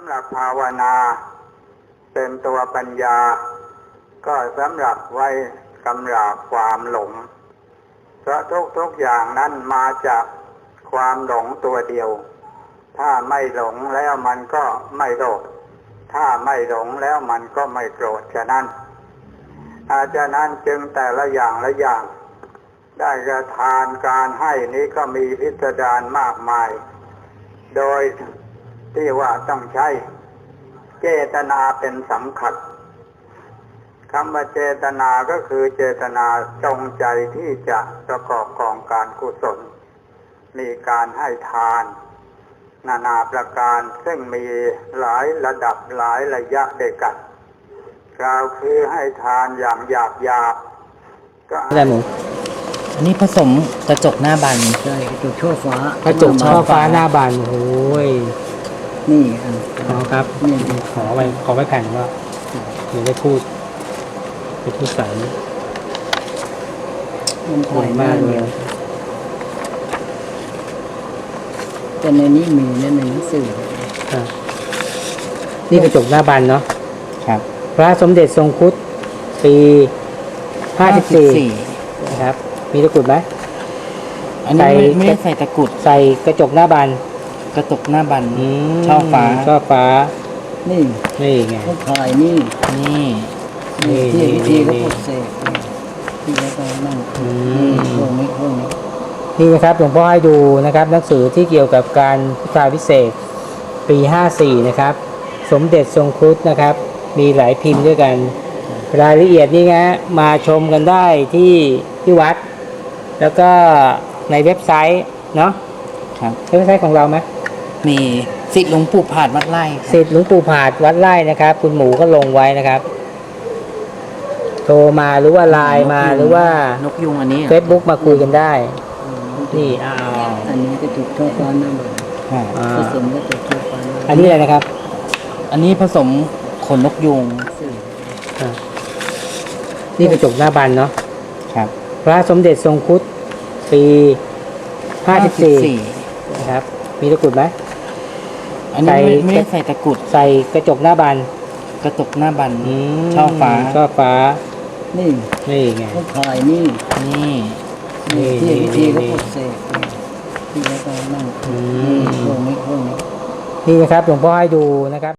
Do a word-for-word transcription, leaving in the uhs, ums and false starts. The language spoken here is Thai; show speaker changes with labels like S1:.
S1: ำหรับภาวนาเป็นตัวปัญญาก็สำหรับไว้กำราบความหลงเพราะทุกๆอย่างนั้นมาจากความหลงตัวเดียวถ้าไม่หลงแล้วมันก็ไม่โลภถ้าไม่หลงแล้วมันก็ไม่โกรธฉะนั้นอาจารย์นั้นจึงแต่ละอย่างละอย่างได้กระทานการให้นี้ก็มีพิสดารมากมายโดยที่ว่าต้องใช้เจตนาเป็นสำคัญคำว่าเจตนาก็คือเจตนาจงใจที่จะประกอบกองการกุศลมีการให้ทานนานาประการซึ่งมีหลายระดับหลายระยะด้วยกันกล่าวคือให้ทานอย่างหยาบหยาบก็อะไรหมู
S2: อันนี้ผสมกระจกหน้าบาน
S3: ใช่กระจกช่อฟ้าก
S2: ระจกช่อฟ้าหน้าบานโอ้ย
S3: นี่อ๋
S2: อครับนี่ขอไปขอไปแผ่นว่าเดี๋ยวได้พูดไปพูดใส่
S3: มันถ่ายมากเลยแต่ในนี้มีในหนังสือ
S2: นี่กระจกหน้าบานเนาะครับพระสมเด็จทรงครุฑปีห้าสิบสี่นะครับมีตะกรุดไหม
S3: อันนี้ไม่ได้ใส่ตะกรุด
S2: ใส่กระจกหน้าบาน
S3: กระจกหน้าบานช่อฟ้า
S2: ช่อฟ้า
S3: นี่
S2: นี่ไง
S3: เขาถ่ายนี่
S2: นี่
S3: นี่ที่ที่เขาปลุกเสกที่เขาต้องนั่งพวกนี้พวกนี้
S2: นี่นะครับหลวงพ่อให้ดูนะครับหนังสือที่เกี่ยวกับการพุทธาภิเษกปีห้าสี่นะครับสมเด็จทรงครุฑนะครับมีหลายพิมพ์ด้วยกันรายละเอียดนี่นะมาชมกันได้ที่ที่วัดแล้วก็ในเว็บไซต์เนาะครับเว็บไซต์ของเราไหม
S3: มีศิษย์หลวงปู่ผาดวัดไร่
S2: ศิษย์หลวงปู่ผาดวัดไร่นะครับคุณหมูก็ลงไว้นะครับโทรมาหรือว่าไลน์มาหรือว่าน
S3: กยุงอันนี้
S2: เฟซบุ๊กมาคุยกันได้นี่อ้าว
S3: อันนี้กระจกช่อฟ้าหน้าบานผสมกระจกช่อฟ้า
S2: อันนี้อะไรนะครับ
S3: อันนี้ผสมขนนกยุง
S2: นี่กระจกหน้าบานเนาะครับพระสมเด็จทรงครุฑปีห้าสิบสี่นะครับมีตะกรุดไหม
S3: อันนี้ไม่ได้ใส่ตะกรุด
S2: ใส่กระจกหน้าบาน
S3: กระจกหน้าบานช่อฟ้า
S2: ช่อฟ้า
S3: นี่
S2: นี่ไง
S3: เขาถ่ายนี่
S2: นี่
S3: นี่ที่ที่เขาปลุกเสกที่เขาต้องนั่งพวกนี้พวกนี้
S2: นี่นะครับหลวงพ่อให้ดูนะครับ